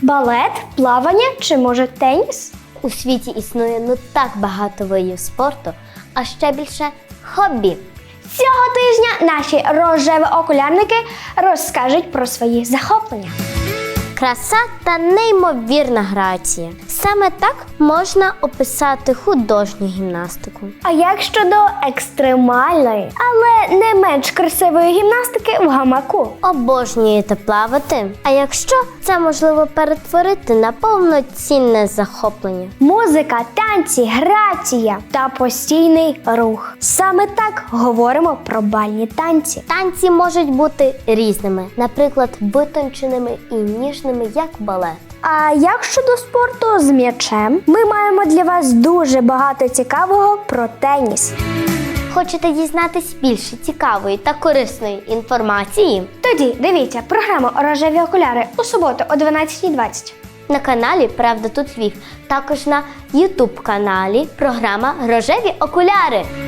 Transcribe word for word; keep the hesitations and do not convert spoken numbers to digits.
Балет, плавання чи, може, теніс? У світі існує ну так багато видів спорту, а ще більше хобі. Цього тижня наші рожеві окулярники розкажуть про свої захоплення. Краса та неймовірна грація. Саме так можна описати художню гімнастику. А як щодо екстремальної, але не менш красивої гімнастики в гамаку? Обожнюєте плавати? А якщо це можливо перетворити на повноцінне захоплення? Музика, танці, грація та постійний рух. Саме так говоримо про бальні танці. Танці можуть бути різними, наприклад, витонченими і ніжними, як балет. А як щодо спорту з м'ячем? Ми маємо для вас дуже багато цікавого про теніс. Хочете дізнатись більше цікавої та корисної інформації? Тоді дивіться програму «Рожеві окуляри» у суботу о дванадцятій двадцять. На каналі «Правда тут Львів», також на ютуб каналі програма «Рожеві окуляри».